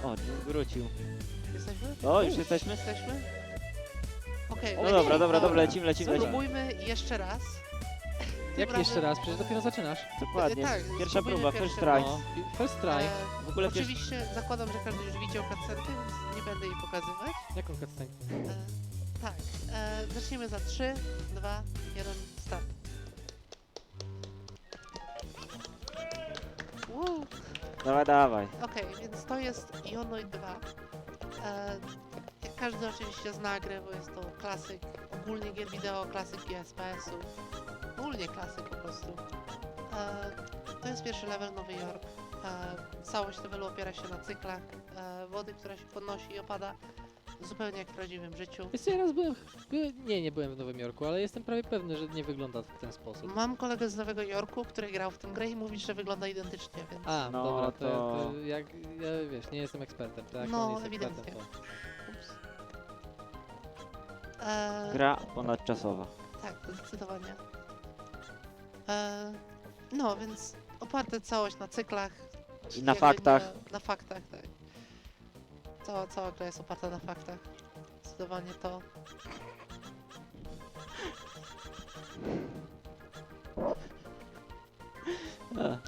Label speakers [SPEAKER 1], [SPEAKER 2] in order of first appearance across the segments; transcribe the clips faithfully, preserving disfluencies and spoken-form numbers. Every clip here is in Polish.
[SPEAKER 1] O, wrócił.
[SPEAKER 2] Jesteśmy?
[SPEAKER 1] O, już jesteśmy?
[SPEAKER 2] Jesteśmy? Okej,
[SPEAKER 1] No
[SPEAKER 2] lecimy.
[SPEAKER 1] dobra, dobra, dobra, lecimy, lecimy, lecimy.
[SPEAKER 2] Spróbujmy jeszcze raz. Tym
[SPEAKER 3] Jak jeszcze
[SPEAKER 2] razem-
[SPEAKER 3] raz? Przecież dopiero zaczynasz.
[SPEAKER 1] Dokładnie.
[SPEAKER 2] Tak,
[SPEAKER 1] Pierwsza
[SPEAKER 2] spróbujmy
[SPEAKER 1] próba,
[SPEAKER 2] pierwszy
[SPEAKER 1] first try.
[SPEAKER 3] No, pi- first try.
[SPEAKER 2] E,
[SPEAKER 1] W ogóle pierwszy...
[SPEAKER 2] Oczywiście zakładam, że każdy już widział cutscenkę, więc nie będę jej pokazywać.
[SPEAKER 3] Jaką cutscenkę?
[SPEAKER 2] E, tak, e, zaczniemy za trzy, dwa, jeden, start. Woo.
[SPEAKER 1] Dawaj, dawaj.
[SPEAKER 2] Okej, więc to jest Ionoid dwa. E, jak każdy oczywiście zna grę, bo jest to klasyk ogólnie gier wideo, klasyk G S P S-ów. Ogólnie klasyk po prostu. E, to jest pierwszy level Nowy Jork. E, całość levelu opiera się na cyklach e, wody, która się podnosi i opada. Zupełnie jak w prawdziwym życiu.
[SPEAKER 3] Jeszcze ja raz byłem, byłem... Nie, nie byłem w Nowym Jorku, ale jestem prawie pewny, że nie wygląda w ten sposób.
[SPEAKER 2] Mam kolegę z Nowego Jorku, który grał w tę grę i mówi, że wygląda identycznie, więc...
[SPEAKER 3] A,
[SPEAKER 1] No,
[SPEAKER 3] dobra, to,
[SPEAKER 1] to-
[SPEAKER 3] to jak... Ja, wiesz, nie jestem ekspertem, tak?
[SPEAKER 2] No,
[SPEAKER 3] On jest
[SPEAKER 2] ewidentnie.
[SPEAKER 3] ekspertem, to...
[SPEAKER 2] Ups. E,
[SPEAKER 1] Gra ponadczasowa.
[SPEAKER 2] Tak, zdecydowanie. E, no, więc oparte całość na cyklach.
[SPEAKER 1] I na
[SPEAKER 2] jakby
[SPEAKER 1] faktach.
[SPEAKER 2] Na, na faktach, tak. Cała, cała gra jest oparta na faktach. Zdecydowanie to.
[SPEAKER 1] A.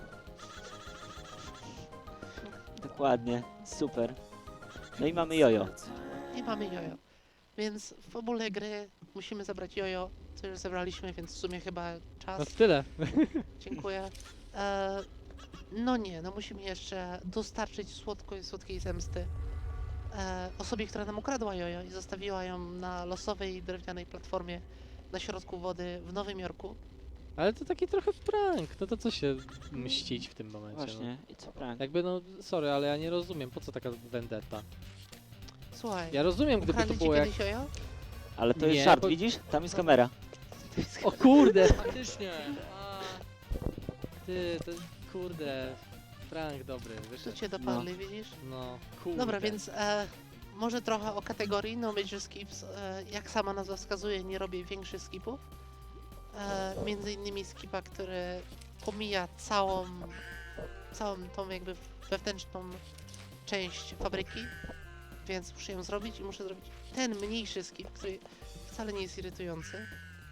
[SPEAKER 1] Dokładnie, super. No i mamy jojo.
[SPEAKER 2] I mamy jojo. Więc w fabule gry musimy zabrać jojo, co już zebraliśmy, więc w sumie chyba
[SPEAKER 3] No
[SPEAKER 2] czas.
[SPEAKER 3] to tyle.
[SPEAKER 2] Dziękuję. E, no nie, no musimy jeszcze dostarczyć słodkiej, słodkiej zemsty e, osobie, która nam ukradła jojo i zostawiła ją na losowej drewnianej platformie na środku wody w Nowym Jorku.
[SPEAKER 3] Ale to taki trochę prank, no to co się mścić w tym momencie,
[SPEAKER 1] Właśnie, i co
[SPEAKER 3] no.
[SPEAKER 1] prank?
[SPEAKER 3] Jakby no, sorry, ale ja nie rozumiem, po co taka vendetta?
[SPEAKER 2] Słuchaj,
[SPEAKER 3] Ja rozumiem, gdyby to
[SPEAKER 2] ukradli ci
[SPEAKER 3] było jak...
[SPEAKER 2] kiedyś jojo?
[SPEAKER 1] Ale to jest
[SPEAKER 3] Nie,
[SPEAKER 1] żart,
[SPEAKER 3] bo-
[SPEAKER 1] widzisz? Tam jest kamera.
[SPEAKER 3] O kurde! Faktycznie! A, ty, to kurde, prank dobry,
[SPEAKER 2] Tu
[SPEAKER 3] wyszedł.
[SPEAKER 2] cię dopadli, widzisz?
[SPEAKER 3] No, kurde.
[SPEAKER 2] Dobra, więc e, może trochę o kategorii No Major Skips. E, jak sama nazwa wskazuje, nie robię większych skipów. E, między innymi skipa, który pomija całą, całą tą jakby wewnętrzną część fabryki, więc muszę ją zrobić i muszę zrobić ten mniejszy skip, który wcale nie jest irytujący.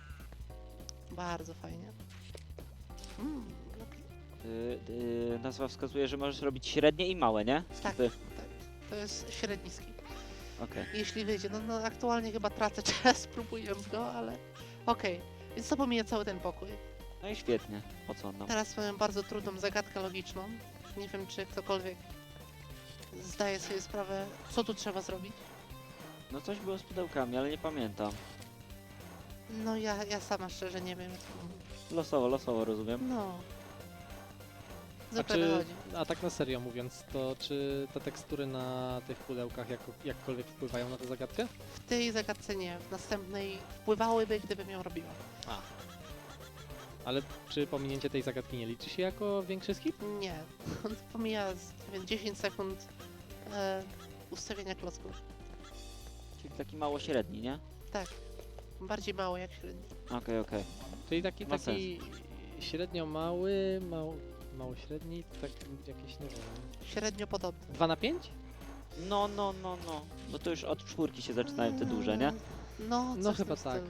[SPEAKER 2] Bardzo fajnie. Mm, bloki.
[SPEAKER 1] Y, y, nazwa wskazuje, że możesz robić średnie i małe, nie?
[SPEAKER 2] Tak,
[SPEAKER 1] Skipy.
[SPEAKER 2] tak. To jest średni skip.
[SPEAKER 1] Okej.
[SPEAKER 2] Jeśli wyjdzie. No, no aktualnie chyba tracę czas próbując go, ale okej. Więc to pomija cały ten pokój.
[SPEAKER 1] No i świetnie. Po co on nam?
[SPEAKER 2] Teraz mamy bardzo trudną zagadkę logiczną. Nie wiem, czy ktokolwiek zdaje sobie sprawę, co tu trzeba zrobić.
[SPEAKER 1] No coś było z pudełkami, ale nie pamiętam.
[SPEAKER 2] No ja, ja sama szczerze nie wiem, jak to mówić.
[SPEAKER 1] Losowo, losowo rozumiem.
[SPEAKER 2] No.
[SPEAKER 3] A,
[SPEAKER 2] Zwykle
[SPEAKER 3] czy,
[SPEAKER 2] wychodzi.
[SPEAKER 3] a tak na serio mówiąc, to czy te tekstury na tych pudełkach jak, jakkolwiek wpływają na tę zagadkę?
[SPEAKER 2] W tej zagadce nie, w następnej wpływałyby, gdybym ją robiła.
[SPEAKER 3] A. Ale czy pominięcie tej zagadki nie liczy się jako większy skip?
[SPEAKER 2] Nie. On pomija z, nie wiem, dziesięć sekund e, ustawienia klocków.
[SPEAKER 1] Czyli taki mało średni, nie?
[SPEAKER 2] Tak. Bardziej mało jak średni.
[SPEAKER 1] Okej, okej.
[SPEAKER 3] Czyli taki,
[SPEAKER 1] Ma
[SPEAKER 3] taki średnio mały, mał, mało średni, tak jakieś, nie wiem,
[SPEAKER 2] Średnio podobny.
[SPEAKER 3] dwa na pięć?
[SPEAKER 1] No, no, no, no. Bo to już od czwórki się zaczynają te duże, nie?
[SPEAKER 2] No,
[SPEAKER 3] No
[SPEAKER 2] coś w
[SPEAKER 3] chyba
[SPEAKER 2] tym
[SPEAKER 3] tak.
[SPEAKER 2] stylu.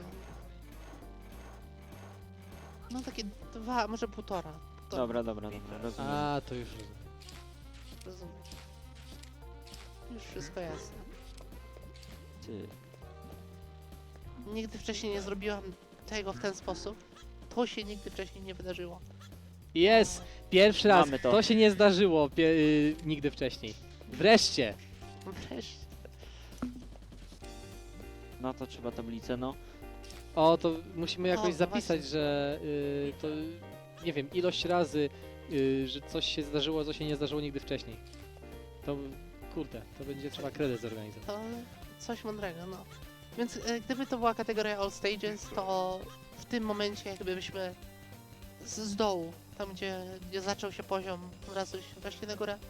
[SPEAKER 2] No takie dwa, może półtora. półtora.
[SPEAKER 1] Dobra, dobra, dobra, rozumiem.
[SPEAKER 3] A, to już rozumiem.
[SPEAKER 2] Rozumiem. Już wszystko jasne.
[SPEAKER 1] Ty.
[SPEAKER 2] Nigdy wcześniej nie zrobiłam tego w ten sposób. To się nigdy wcześniej nie wydarzyło.
[SPEAKER 3] Jest! Pierwszy raz!
[SPEAKER 1] Mamy
[SPEAKER 3] To.
[SPEAKER 1] to.
[SPEAKER 3] się nie zdarzyło pie- y, nigdy wcześniej. Wreszcie!
[SPEAKER 2] Wreszcie.
[SPEAKER 1] No to trzeba tablicę, no.
[SPEAKER 3] O, to musimy jakoś
[SPEAKER 2] no
[SPEAKER 3] zapisać,
[SPEAKER 2] właśnie.
[SPEAKER 3] że y, to, nie wiem, ilość razy, y, że coś się zdarzyło, co się nie zdarzyło nigdy wcześniej. To, kurde, to będzie trzeba kredyt zorganizować.
[SPEAKER 2] To coś mądrego, no. Więc e, gdyby to była kategoria All Stages, to w tym momencie jakby byśmy z, z dołu, tam gdzie, gdzie zaczął się poziom, od razu się weszli na górę.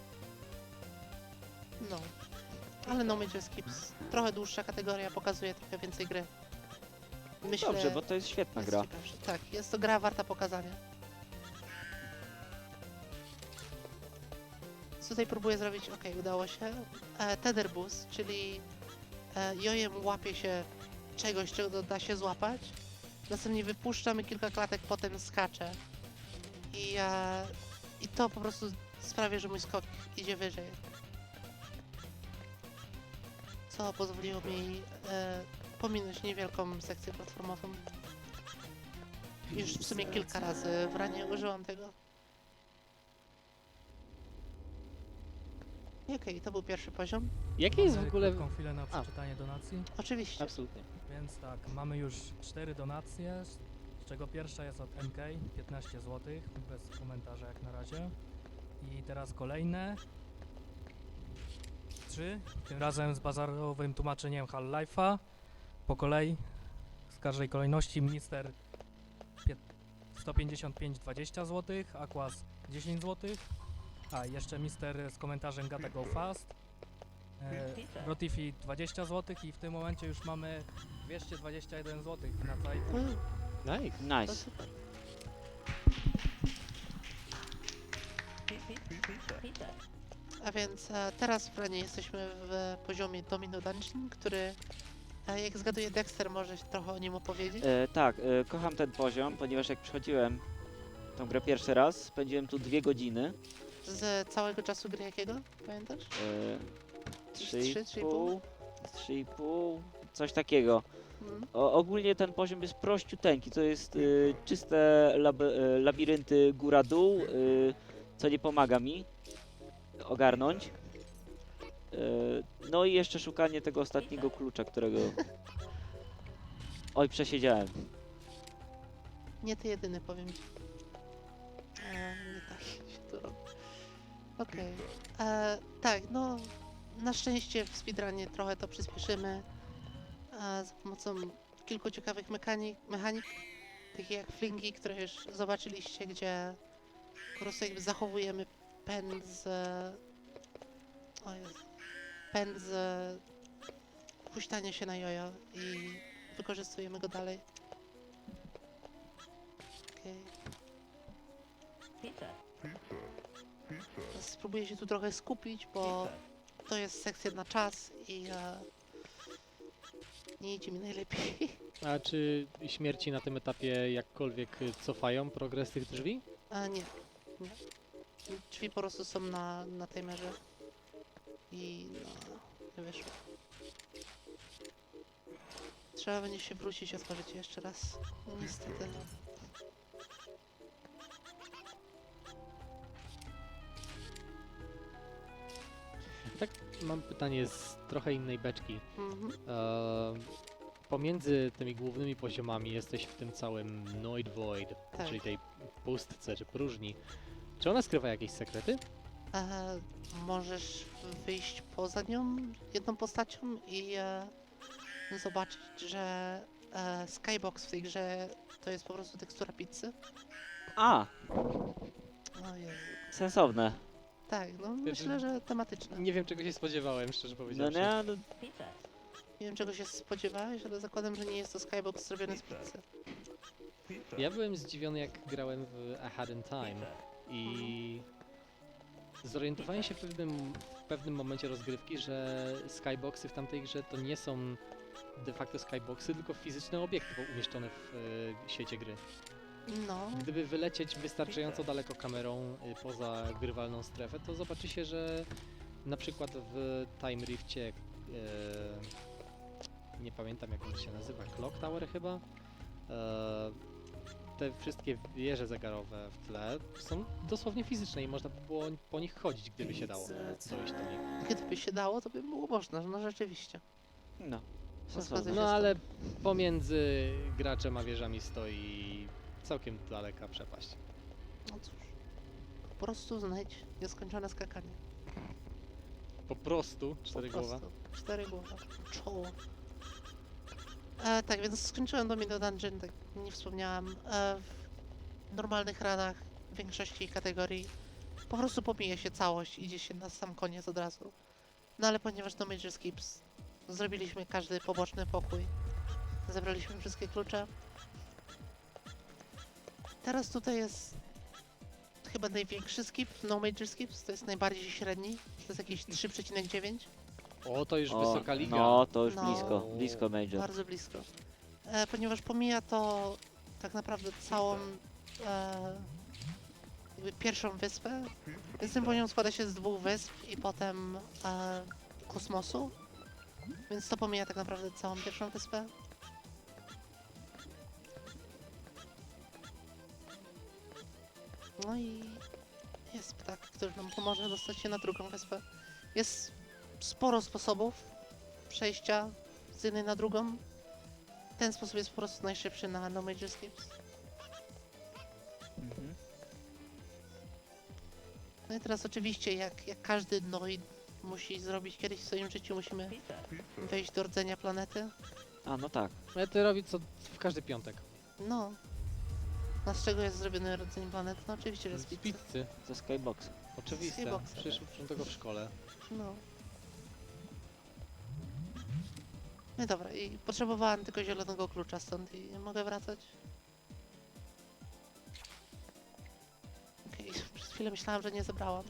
[SPEAKER 2] No. Ale No Major Skips, trochę dłuższa kategoria, pokazuje trochę więcej gry. Myślę,
[SPEAKER 1] Dobrze, bo to jest świetna
[SPEAKER 2] jest
[SPEAKER 1] gra.
[SPEAKER 2] ciekawsza. Tak, jest to gra warta pokazania. więc tutaj próbuję zrobić, ok, udało się. E, tether boost, czyli e, jojem łapie się czegoś, czego da się złapać. Następnie wypuszczamy kilka klatek, potem skacze. I, e, I to po prostu sprawia, że mój skok idzie wyżej. Co pozwoliło mi e, pominąć niewielką sekcję platformową. Już w sumie kilka razy w ranie użyłam tego. I okej, to był pierwszy poziom.
[SPEAKER 3] Jakie jest w
[SPEAKER 4] Mamy
[SPEAKER 3] ogóle...
[SPEAKER 4] krótką chwilę na przeczytanie donacji,
[SPEAKER 2] Oczywiście.
[SPEAKER 3] Absolutnie.
[SPEAKER 4] więc tak, mamy już cztery donacje, z czego pierwsza jest od M K, piętnaście złotych, bez komentarza jak na razie. I teraz kolejne trzy, tym razem z bazarowym tłumaczeniem Half-Life'a. Po kolei, z każdej kolejności, Minister pie- sto pięćdziesiąt pięć dwadzieścia złotych, Aquas dziesięć złotych, a jeszcze Mister z komentarzem Gotta Go Fast. E, Rotifi dwadzieścia złotych i w tym momencie już mamy dwieście dwadzieścia jeden złotych na całej puli.
[SPEAKER 2] Mm,
[SPEAKER 3] Nice.
[SPEAKER 2] to
[SPEAKER 1] Nice.
[SPEAKER 2] super. A więc e, teraz w ranie jesteśmy w poziomie Domino Dungeon, który, e, jak zgaduję, Dexter może się trochę o nim opowiedzieć.
[SPEAKER 1] E, tak, e, kocham ten poziom, ponieważ jak przychodziłem tą grę pierwszy raz, spędziłem tu dwie godziny.
[SPEAKER 2] Z całego czasu gry jakiego? Pamiętasz?
[SPEAKER 1] E,
[SPEAKER 2] Trzy,
[SPEAKER 1] trzy i
[SPEAKER 2] trzy i pół?
[SPEAKER 1] pół, trzy i pół, coś takiego.
[SPEAKER 2] Mm.
[SPEAKER 1] O, ogólnie ten poziom jest prościuteńki, to jest y, czyste lab, y, labirynty góra-dół, y, co nie pomaga mi ogarnąć. Y, no i jeszcze szukanie tego ostatniego klucza, którego... Oj, przesiedziałem.
[SPEAKER 2] Nie ty jedyny, powiem ci. E, nie tak się to robi. Okej. E, Tak, no na szczęście w speedrunie trochę to przyspieszymy e, za pomocą kilku ciekawych mechanik, mechanik takich jak flingi, które już zobaczyliście, gdzie po prostu jakby zachowujemy pęd z... O Jezu. Pęd z huśtania się na jojo i wykorzystujemy go dalej. Okej. Spróbuję się tu trochę skupić, bo to jest sekcja na czas i e, nie idzie mi najlepiej.
[SPEAKER 3] A czy śmierci na tym etapie jakkolwiek y, cofają progres tych drzwi?
[SPEAKER 2] A nie, nie. Drzwi po prostu są na, na timerze i no, nie wyszło. Trzeba będzie się wrócić i otworzyć je jeszcze raz. No, niestety.
[SPEAKER 3] Tak, mam pytanie z trochę innej beczki.
[SPEAKER 2] Mhm.
[SPEAKER 3] Eee, pomiędzy tymi głównymi poziomami jesteś w tym całym Noid Void,
[SPEAKER 2] Tak.
[SPEAKER 3] czyli tej pustce czy próżni. Czy ona skrywa jakieś sekrety?
[SPEAKER 2] E, możesz wyjść poza nią jedną postacią i e, zobaczyć, że e, skybox w tej grze to jest po prostu tekstura pizzy.
[SPEAKER 1] A,
[SPEAKER 2] O Jezu.
[SPEAKER 1] sensowne.
[SPEAKER 2] Tak, no myślę, że tematyczne.
[SPEAKER 3] Nie wiem czego się spodziewałem, szczerze
[SPEAKER 1] No
[SPEAKER 3] powiedziawszy.
[SPEAKER 1] nie, no,
[SPEAKER 2] Nie wiem czego się spodziewałeś, ale zakładam, że nie jest to skybox zrobiony z pizzy.
[SPEAKER 3] Ja byłem zdziwiony jak grałem w A Had in Time i zorientowałem się w pewnym, w pewnym momencie rozgrywki, że skyboxy w tamtej grze to nie są de facto skyboxy, tylko fizyczne obiekty umieszczone w e, świecie gry.
[SPEAKER 2] No,
[SPEAKER 3] Gdyby wylecieć wystarczająco daleko kamerą y, poza grywalną strefę, to zobaczy się, że na przykład w Time Rifcie, e, nie pamiętam jak on się nazywa, Clock Tower chyba, e, te wszystkie wieże zegarowe w tle są dosłownie fizyczne i można by było po nich chodzić, gdyby się dało dojść do nich.
[SPEAKER 2] gdyby się dało, to by było można, no rzeczywiście.
[SPEAKER 1] no.
[SPEAKER 2] Zgodzę
[SPEAKER 1] Sensowne.
[SPEAKER 2] się.
[SPEAKER 3] No ale pomiędzy graczem a wieżami stoi całkiem daleka przepaść.
[SPEAKER 2] No cóż, po prostu znajdź nieskończone skakanie.
[SPEAKER 3] Po prostu cztery
[SPEAKER 2] Po
[SPEAKER 3] głowa.
[SPEAKER 2] prostu. Cztery głowa. Czoło. E, tak, więc skończyłem Domino Dungeon, tak nie wspomniałam. E, w normalnych ranach w większości kategorii po prostu pomija się całość, idzie się na sam koniec od razu. No ale ponieważ to Major Skips, zrobiliśmy każdy poboczny pokój. Zebraliśmy wszystkie klucze. Teraz tutaj jest chyba największy skip, no major skips, to jest najbardziej średni, to jest jakieś trzy przecinek dziewięć,
[SPEAKER 3] O, to już
[SPEAKER 1] O,
[SPEAKER 3] wysoka liga.
[SPEAKER 1] no, to już
[SPEAKER 2] No.
[SPEAKER 1] blisko, blisko Major.
[SPEAKER 2] bardzo blisko. E, ponieważ pomija to tak naprawdę całą e, jakby pierwszą wyspę, więc ten poziom składa się z dwóch wysp i potem e, kosmosu, więc to pomija tak naprawdę całą pierwszą wyspę. No i jest ptak, który nam pomoże dostać się na drugą wyspę. Jest sporo sposobów przejścia z jednej na drugą. Ten sposób jest po prostu najszybszy na No Major Skips.
[SPEAKER 1] Mhm.
[SPEAKER 2] No i teraz oczywiście, jak, jak każdy Noid musi zrobić kiedyś w swoim życiu, musimy wejść do rdzenia planety.
[SPEAKER 1] A, no tak.
[SPEAKER 3] Ale to robi co w każdy piątek.
[SPEAKER 2] No. A z czego jest zrobiony rdzeń planety? No oczywiście, że z
[SPEAKER 3] Z
[SPEAKER 2] pizzy.
[SPEAKER 3] pizzy.
[SPEAKER 1] Ze Skyboxa.
[SPEAKER 3] Oczywiste.
[SPEAKER 2] Skyboxa.
[SPEAKER 3] Przecież uczą tego w szkole.
[SPEAKER 2] No. No i dobra, i potrzebowałem tylko zielonego klucza stąd i mogę wracać? Okej, przez chwilę myślałam, że nie zebrałam.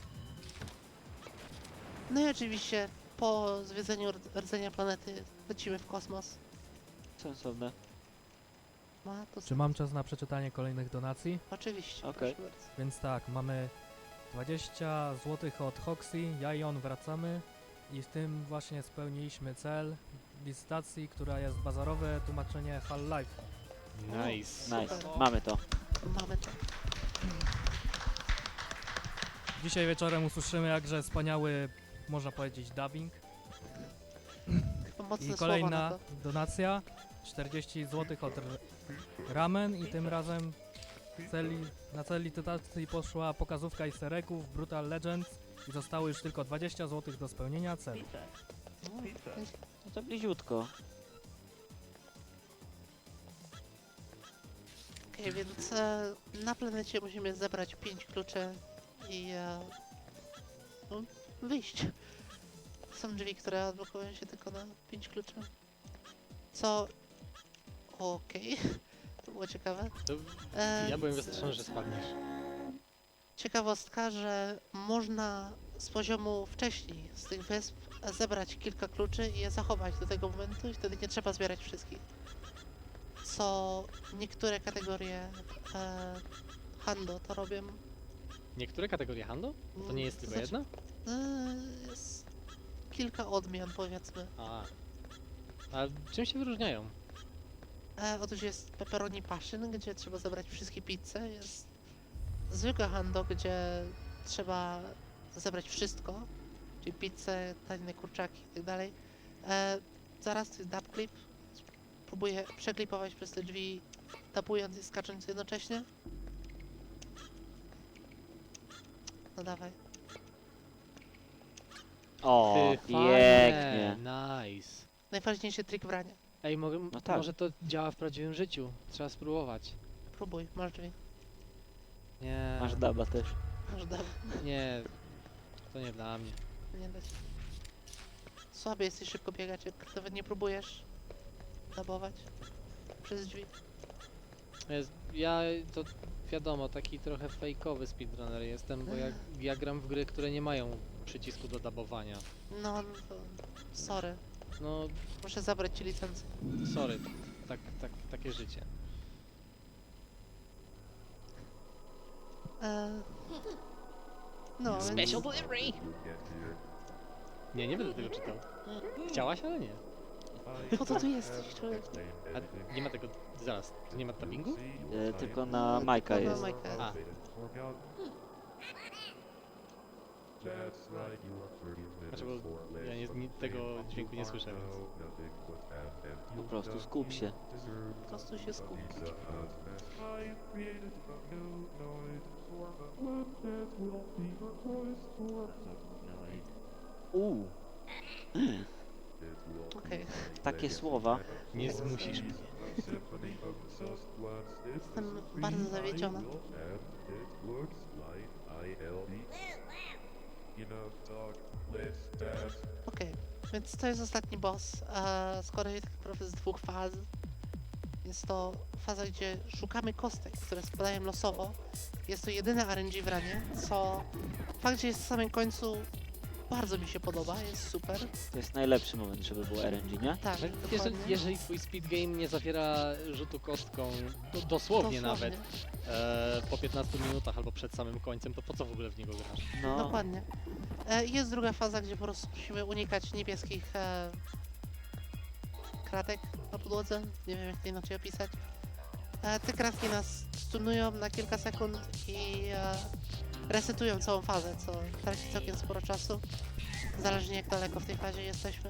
[SPEAKER 2] No i oczywiście po zwiedzeniu rdz- rdzenia planety lecimy w kosmos.
[SPEAKER 1] Sensowne.
[SPEAKER 2] Ma to
[SPEAKER 4] Czy mam czas na przeczytanie kolejnych donacji?
[SPEAKER 2] Oczywiście,
[SPEAKER 1] Okej.
[SPEAKER 2] proszę bardzo.
[SPEAKER 4] Więc tak, mamy dwadzieścia złotych od Hoxy, ja i on wracamy i z tym właśnie spełniliśmy cel licytacji, która jest bazarowe tłumaczenie Half-Life.
[SPEAKER 3] Nice.
[SPEAKER 1] Nice.
[SPEAKER 2] Super.
[SPEAKER 1] Mamy to.
[SPEAKER 2] Mamy to.
[SPEAKER 4] Dzisiaj wieczorem usłyszymy jakże wspaniały, można powiedzieć, dubbing.
[SPEAKER 2] Chyba mocne
[SPEAKER 4] I
[SPEAKER 2] słowa
[SPEAKER 4] kolejna
[SPEAKER 2] na to.
[SPEAKER 4] donacja, czterdzieści złotych od R- Ramen i tym razem celi, na cel licytacji poszła pokazówka easter eggów Brutal Legends i zostało już tylko dwadzieścia złotych do spełnienia celu.
[SPEAKER 2] No, więc
[SPEAKER 1] No to bliziutko.
[SPEAKER 2] Okej, więc e, na planecie musimy zebrać pięć kluczy i e, no, wyjść. Są drzwi, które odblokują się tylko na pięć kluczy. Co... Okej, to było ciekawe.
[SPEAKER 3] To
[SPEAKER 2] E,
[SPEAKER 3] ja byłem wystraszony, że spadniesz.
[SPEAKER 2] Ciekawostka, że można z poziomu wcześniej, z tych wysp, e, zebrać kilka kluczy i je zachować do tego momentu i wtedy nie trzeba zbierać wszystkich. Co niektóre kategorie e, Hando to robią.
[SPEAKER 3] Niektóre kategorie handlu? To nie jest
[SPEAKER 2] To
[SPEAKER 3] tylko
[SPEAKER 2] znaczy-
[SPEAKER 3] jedna?
[SPEAKER 2] E, jest kilka odmian, powiedzmy.
[SPEAKER 3] A. A czym się wyróżniają?
[SPEAKER 2] E, otóż jest pepperoni passion, gdzie trzeba zebrać wszystkie pizze. Jest zwykłe hando, gdzie trzeba zebrać wszystko, czyli pizzę, tajne kurczaki i tak dalej. E, zaraz to jest dub clip. Próbuję przeklipować przez te drzwi, tapując i skacząc jednocześnie. No dawaj.
[SPEAKER 1] O,
[SPEAKER 3] Ty,
[SPEAKER 1] pięknie.
[SPEAKER 3] fajne, Nice.
[SPEAKER 2] Najważniejszy trik brania.
[SPEAKER 3] Ej, mogę,
[SPEAKER 1] No tak.
[SPEAKER 3] może to działa w prawdziwym życiu. Trzeba spróbować.
[SPEAKER 2] Próbuj, masz drzwi.
[SPEAKER 3] Nie.
[SPEAKER 1] Masz daba też.
[SPEAKER 2] Masz dub.
[SPEAKER 3] Nie. To nie dla mnie.
[SPEAKER 2] Nie dać. Słaby jesteś szybko biegać, jak nawet nie próbujesz dabować przez drzwi.
[SPEAKER 3] Jest, ja to wiadomo, taki trochę fejkowy speedrunner jestem, bo ja, ja gram w gry, które nie mają przycisku do dabowania.
[SPEAKER 2] No, no to sorry.
[SPEAKER 3] No,
[SPEAKER 2] Muszę zabrać ci licencję.
[SPEAKER 3] sorry. Tak, tak, takie życie.
[SPEAKER 2] E... No,
[SPEAKER 1] Special
[SPEAKER 2] więc...
[SPEAKER 1] delivery!
[SPEAKER 3] Nie, nie będę tego czytał. Chciałaś, ale nie.
[SPEAKER 2] Po co tu jesteś, człowiek?
[SPEAKER 3] A nie ma tego, zaraz, to nie ma dubbingu?
[SPEAKER 1] E, tylko na Majka
[SPEAKER 2] Tylko na
[SPEAKER 1] jest.
[SPEAKER 2] Majka jest.
[SPEAKER 3] A, znaczy, bo ja nie, nie, tego dźwięku nie słyszę, więc...
[SPEAKER 1] Po prostu skup się.
[SPEAKER 2] Po prostu się skup.
[SPEAKER 1] Uuu,
[SPEAKER 2] Okej.
[SPEAKER 1] takie słowa.
[SPEAKER 3] Nie zmusisz mnie.
[SPEAKER 2] Jestem bardzo zawiedziona. Okej, więc to jest ostatni boss. E, składa się tak naprawdę z dwóch faz. Jest to faza, gdzie szukamy kostek, które spadają losowo. Jest to jedyne R N G w ranie, co fakt, że jest w samym końcu, bardzo mi się podoba, jest super.
[SPEAKER 1] To jest najlepszy moment, żeby było R N G, nie?
[SPEAKER 2] Tak,
[SPEAKER 3] No,
[SPEAKER 2] dokładnie.
[SPEAKER 3] jeżeli, jeżeli twój speed game nie zawiera rzutu kostką, do, dosłownie, nawet, e, po piętnastu minutach albo przed samym końcem, to po co w ogóle w niego grasz?
[SPEAKER 1] No,
[SPEAKER 2] Dokładnie. E, jest druga faza, gdzie po prostu musimy unikać niebieskich e, kratek na podłodze. Nie wiem, jak to inaczej opisać. E, te kratki nas stunują na kilka sekund i e, resetują całą fazę, co traci całkiem sporo czasu. Zależnie jak daleko w tej fazie jesteśmy.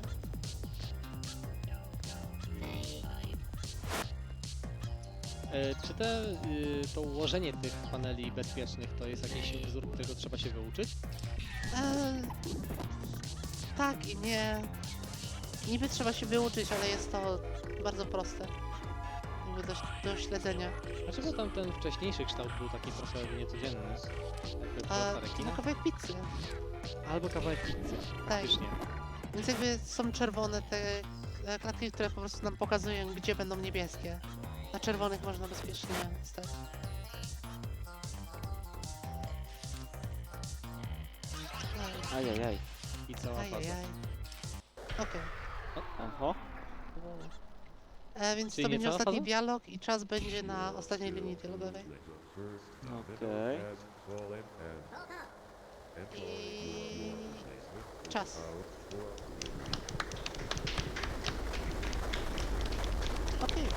[SPEAKER 3] E, czy te, y, to ułożenie tych paneli bezpiecznych to jest jakiś wzór, którego trzeba się wyuczyć?
[SPEAKER 2] E, tak i nie. Niby trzeba się wyuczyć, ale jest to bardzo proste. Jakby do, do śledzenia.
[SPEAKER 3] Dlaczego tam ten wcześniejszy kształt był taki trochę niecodzienny? Jakby
[SPEAKER 2] A,
[SPEAKER 3] prosta rekina?
[SPEAKER 2] no kawałek pizzy.
[SPEAKER 3] Albo kawałek pizzy,
[SPEAKER 2] Tak.
[SPEAKER 3] faktycznie.
[SPEAKER 2] Więc jakby są czerwone te e, klatki, które po prostu nam pokazują, gdzie będą niebieskie. Na czerwonych można bezpiecznie stać. Aj,
[SPEAKER 1] ajajaj.
[SPEAKER 3] I cała faza.
[SPEAKER 2] Ajajaj. Okej.
[SPEAKER 1] Oho.
[SPEAKER 2] E, Więc
[SPEAKER 3] Czyli
[SPEAKER 2] to
[SPEAKER 3] nie
[SPEAKER 2] będzie
[SPEAKER 3] cała
[SPEAKER 2] ostatni
[SPEAKER 3] faza?
[SPEAKER 2] dialog i czas będzie na ostatniej linii dialogowej.
[SPEAKER 1] Okej.
[SPEAKER 2] I... czas. Okej.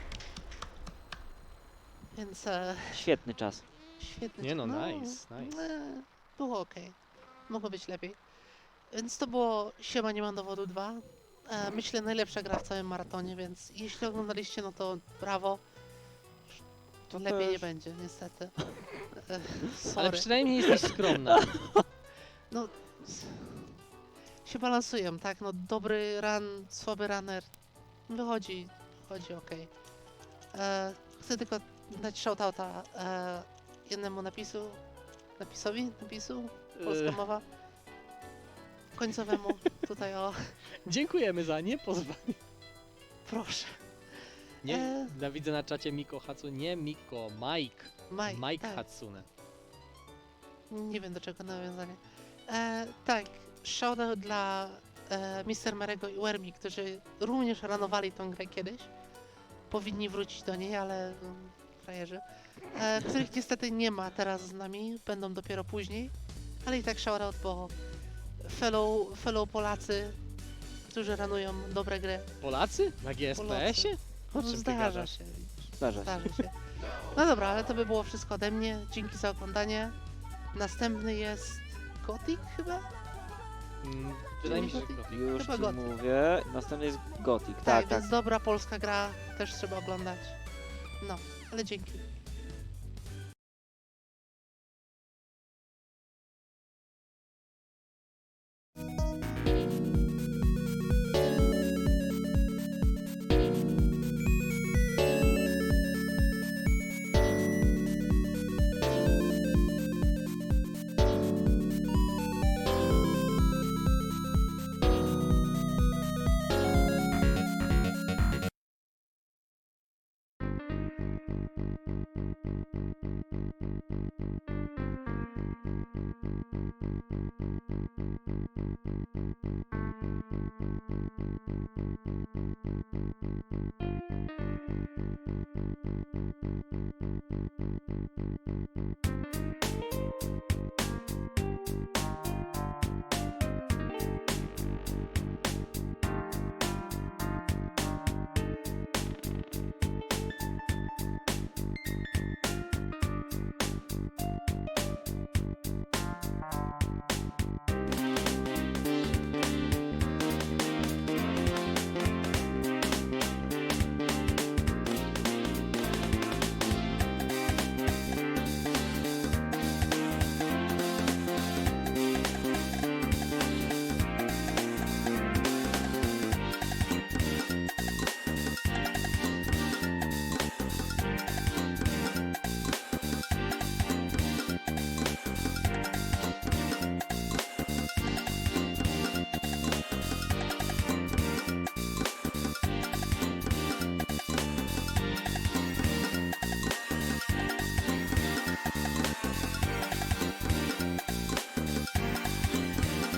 [SPEAKER 2] Więc e,
[SPEAKER 1] Świetny czas.
[SPEAKER 2] świetny.
[SPEAKER 3] Nie no, nice, nice.
[SPEAKER 2] e, Było ok. Mogło być lepiej. Więc to było Siema, nie mam dowodu dwa. E, myślę najlepsza gra w całym maratonie, więc jeśli oglądaliście, no to brawo.
[SPEAKER 1] To
[SPEAKER 2] Lepiej
[SPEAKER 1] też.
[SPEAKER 2] nie będzie, niestety. E,
[SPEAKER 3] Ale
[SPEAKER 2] sorry.
[SPEAKER 3] przynajmniej jesteś skromna.
[SPEAKER 2] No, s- się balansują, tak? No, dobry run, słaby runner. Wychodzi, wychodzi ok. E, chcę tylko dać shoutouta e, jednemu napisu, napisowi, napisu, polska
[SPEAKER 3] E,
[SPEAKER 2] mowa. Końcowemu, tutaj o,
[SPEAKER 3] Dziękujemy za niepozwanie.
[SPEAKER 2] proszę.
[SPEAKER 3] Nie,
[SPEAKER 2] E.
[SPEAKER 3] ja widzę na czacie Miko Hatsune, nie Miko, Mike.
[SPEAKER 2] Mike,
[SPEAKER 3] Mike
[SPEAKER 2] tak.
[SPEAKER 3] Hatsune.
[SPEAKER 2] Nie wiem do czego nawiązanie. E, tak, shoutout dla e, mister Marego i Wermi, którzy również ranowali tą grę kiedyś. Powinni wrócić do niej, ale mm, frajerzy. E, których niestety nie ma teraz z nami, będą dopiero później. Ale i tak shoutout, bo fellow, fellow Polacy, którzy ranują dobre gry.
[SPEAKER 3] Polacy? Na G S P S-ie? O
[SPEAKER 2] No,
[SPEAKER 3] czym ty
[SPEAKER 2] zdarza
[SPEAKER 3] gadasz?
[SPEAKER 2] się.
[SPEAKER 1] Zdarza się.
[SPEAKER 2] Zdarzy się. No dobra, ale to by było wszystko ode mnie. Dzięki za oglądanie. Następny jest Gothic chyba?
[SPEAKER 3] Mm, wydaje mi się, że
[SPEAKER 2] Gothic?
[SPEAKER 3] Gothic.
[SPEAKER 1] Już
[SPEAKER 2] Chyba
[SPEAKER 1] ci
[SPEAKER 2] Gothic.
[SPEAKER 1] mówię. Następny jest Gothic.
[SPEAKER 2] Tak,
[SPEAKER 1] Tak, tak.
[SPEAKER 2] więc dobra polska gra też trzeba oglądać. No, ale dzięki.